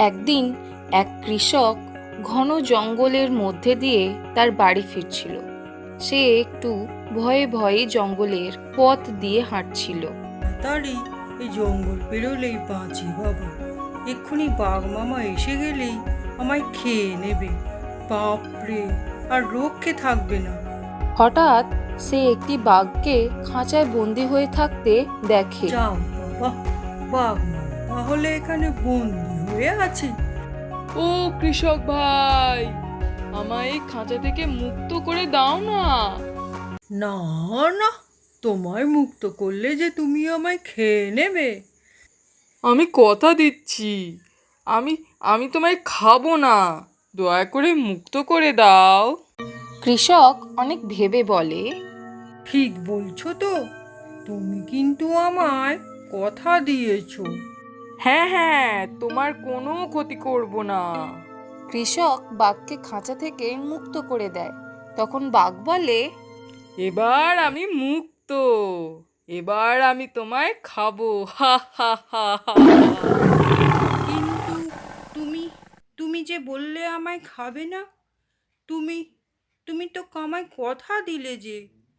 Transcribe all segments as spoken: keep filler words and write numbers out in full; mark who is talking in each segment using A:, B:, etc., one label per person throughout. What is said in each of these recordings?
A: একদিন এক কৃষক ঘন জঙ্গলের মধ্যে দিয়ে তার বাড়ি ফিরছিল। সে একটু ভয়ে ভয়ে জঙ্গলের পথ দিয়ে হাঁটছিল।
B: তাড়াতাড়ি এই জঙ্গল পেরোলেই বাঁচি বাবা, এক্ষুনি বাঘ মামা এসে গেলেই আমায় খেয়ে নেবে। বাপরে, আর রক্ষে থাকবে না।
A: হঠাৎ সে একটি বাঘকে খাঁচায় বন্দি হয়ে থাকতে দেখে।
B: যাও বাবা, বাঘ মামা তাহলে এখানে বন্দি হয়ে আছে।
C: ও কৃষক ভাই, আমায় এই খাঁচা থেকে মুক্ত করে দাও না।
B: না না, তোমায় মুক্ত করলে যে তুমি আমায় খেয়ে নেবে।
C: আমি কথা দিচ্ছি, আমি আমি তোমায় খাবো না, দয়া করে মুক্ত করে দাও।
A: কৃষক অনেক ভেবে বলে,
B: ঠিক বলছো তো, তুমি কিন্তু আমায় কথা দিয়েছো।
C: হ্যাঁ হ্যাঁ, তোমার কোনো ক্ষতি করব না।
A: কৃষক বাঘকে খাঁচা থেকে মুক্ত করে দেয়। তখন বাঘ বলে,
C: এবার আমি মুক্ত, এবার আমি তোমায় খাবো, হা হা হা হা।
B: কিন্তু তুমি তুমি যে বললে আমায় খাবে না, তুমি তুমি তো আমায় কথা দিলে যে।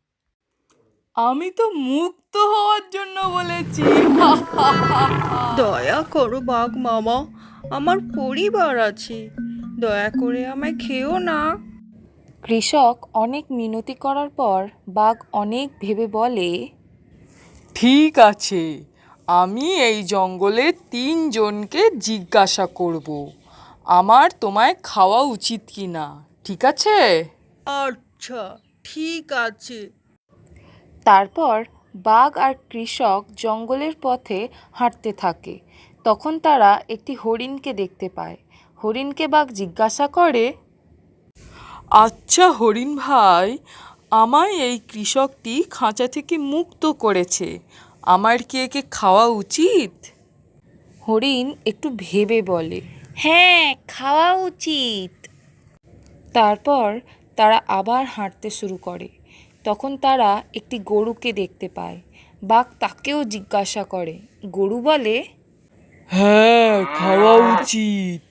C: আমি তো মুক্ত হওয়ার জন্য বলেছি, হা হা হা হা।
B: দয়া করো বাঘ মামা, আমার পরিবার আছে, দয়া করে আমায় খেও না।
A: কৃষক অনেক মিনতি করার পর বাঘ অনেক ভেবে বলে,
C: ঠিক আছে, আমি এই জঙ্গলে তিনজনকে জিজ্ঞাসা করব আমার তোমায় খাওয়া উচিত কি না, ঠিক আছে?
B: আচ্ছা, ঠিক আছে।
A: তারপর বাঘ আর কৃষক জঙ্গলের পথে হাঁটতে থাকে। তখন তারা একটি হরিণকে দেখতে পায়। হরিণকে বাঘ জিজ্ঞাসা করে,
C: আচ্ছা হরিণ ভাই, আমায় এই কৃষকটি খাঁচা থেকে মুক্ত করেছে, আমার কি একে খাওয়া উচিত?
A: হরিণ একটু ভেবে বলে, হ্যাঁ, খাওয়া উচিত। তারপর তারা আবার হাঁটতে শুরু করে। তখন তারা একটি গরুকে দেখতে পায়। বাঘ তাকেও জিজ্ঞাসা করে। গরু বলে,
C: হ্যাঁ, খাওয়া উচিত।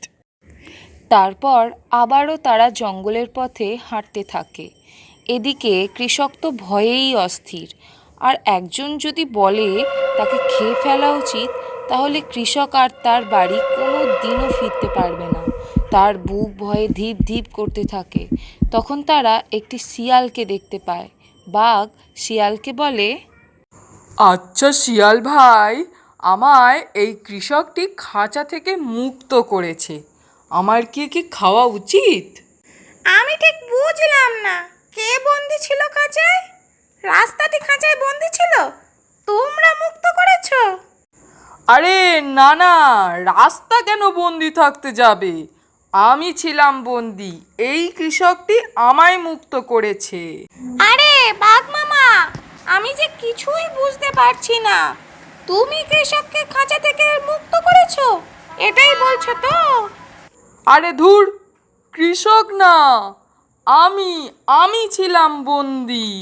A: তারপর আবারও তারা জঙ্গলের পথে হাঁটতে থাকে। এদিকে কৃষক তো ভয়েই অস্থির। আর একজন যদি বলে তাকে খেয়ে ফেলা উচিত, তাহলে কৃষক আর তার বাড়ি কোনো দিনও ফিরতে পারবে না। তার বুক ভয়ে ধীপ ধীপ করতে থাকে। তখন তারা একটি শিয়ালকে দেখতে পায়। বাঘ শিয়ালকে বলে,
C: আচ্ছা শিয়াল ভাই, আমায় এই কৃষকটি খাঁচা থেকে মুক্ত করেছে, আমার কি একে খাওয়া উচিত?
D: আমি ঠিক বুঝলাম না, কে বন্দি ছিল খাঁচায়? রাস্তাটি খাঁচায় বন্দি ছিল, তোমরা মুক্ত করেছো?
C: আরে না না, রাস্তা কেন বন্দি থাকতে যাবে? আমি ছিলাম বন্দি, এই কৃষকটি আমায় মুক্ত করেছে।
D: আরে বাঘ মামা, আমি যে কিছুই বুঝতে পারছি না। তুমি কৃষককে খাঁচা থেকে মুক্ত করেছো, এটাই বলছো তো?
C: আরে ধুর, কৃষক না, আমি আমি ছিলাম বন্দি।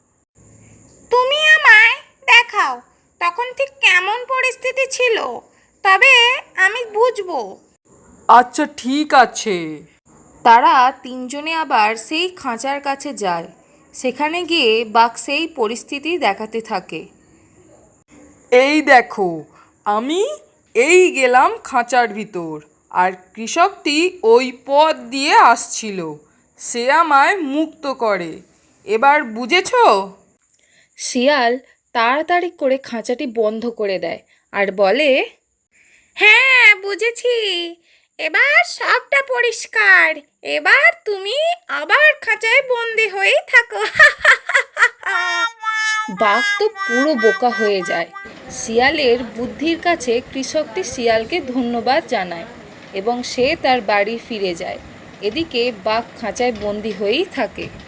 D: তুমি আমায় দেখাও তখন ঠিক কেমন পরিস্থিতি ছিল, তবে আমি বুঝবো।
C: আচ্ছা ঠিক আছে।
A: তারা তিনজনে আবার সেই খাঁচার কাছে যায়। সেখানে গিয়ে বাঘ সেই পরিস্থিতি দেখাতে থাকে।
C: এই দেখো, আমি এই গেলাম খাঁচার ভিতর, আর কৃষকটি ওই পথ দিয়ে আসছিল, সে আমায় মুক্ত করে, এবার বুঝেছো?
A: শিয়াল তাড়াতাড়ি করে খাঁচাটি বন্ধ করে দেয় আর বলে,
D: হ্যাঁ বুঝেছি, এবার সবটা পরিষ্কার। এবার তুমি আবার খাঁচায় বন্দি হয়েই থাকো।
A: বাঘ তো পুরো বোকা হয়ে যায়। শিয়ালের বুদ্ধির কাছে কৃষকটি শিয়ালকে ধন্যবাদ জানায় এবং সে তার বাড়ি ফিরে যায়। এদিকে বাঘ খাঁচায় বন্দি হয়েই থাকে।